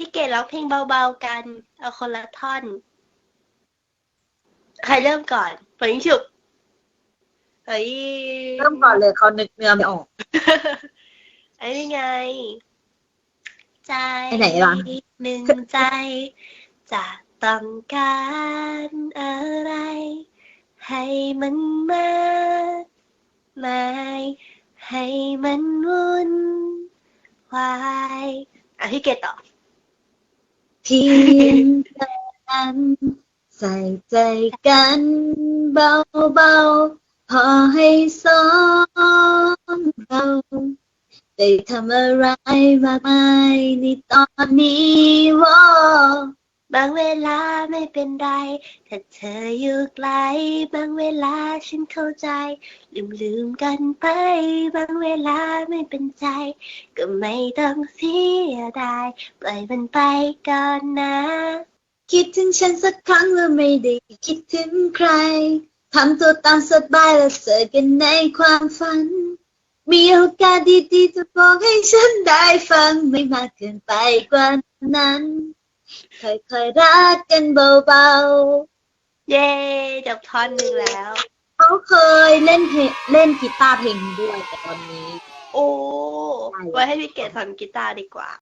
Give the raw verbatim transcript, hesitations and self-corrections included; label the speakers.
Speaker 1: พี่เกดร้องเพลงเบาๆกันเอาคนละท่อนใครเริ่มก่อนฝังฉุบเฮ้ย
Speaker 2: เริ่มก่อนเลยเขานึกเนื้อไม่ออก
Speaker 1: ไอ้นี่ไง ใจ
Speaker 2: ไปไหนล่ะ
Speaker 1: หนึ่งใจ จะต้องการอะไร ให้มันมากมายให้มันวุ่นวายอ่ะพี่เกดต่อ
Speaker 2: เพียงแค่นั้นใส่ใจกันเบาๆพอให้สองเราได้ทำอะไรมากมายในตอนนี้ว่า
Speaker 1: บางเวลาไม่เป็นไรถ้าเธออยู่ไกลบางเวลาฉันเข้าใจลืมลืมกันไปบางเวลาไม่เป็นใจก็ไม่ต้องเสียดายปล่อยมันไปก่อนนะ
Speaker 2: คิดถึงฉันสักครั้งแล้วไม่ได้คิดถึงใครทำตัวตามสบายแล้วเจอกันในความฝันมีโอกาสดีๆจะบอกให้ฉันได้ฟังไม่มากเกินไปกว่านั้นค่อยๆรักกันเบาๆ
Speaker 1: เย้จบท่อนหนึ่งแล้ว
Speaker 2: เขาเคยเล่นเพลงเล่นกีตาร์เพลงนี้ด้วยแต่ตอนนี้
Speaker 1: โอ้ไว้ให้พี่เกดสอนกีตาร์ดีกว่า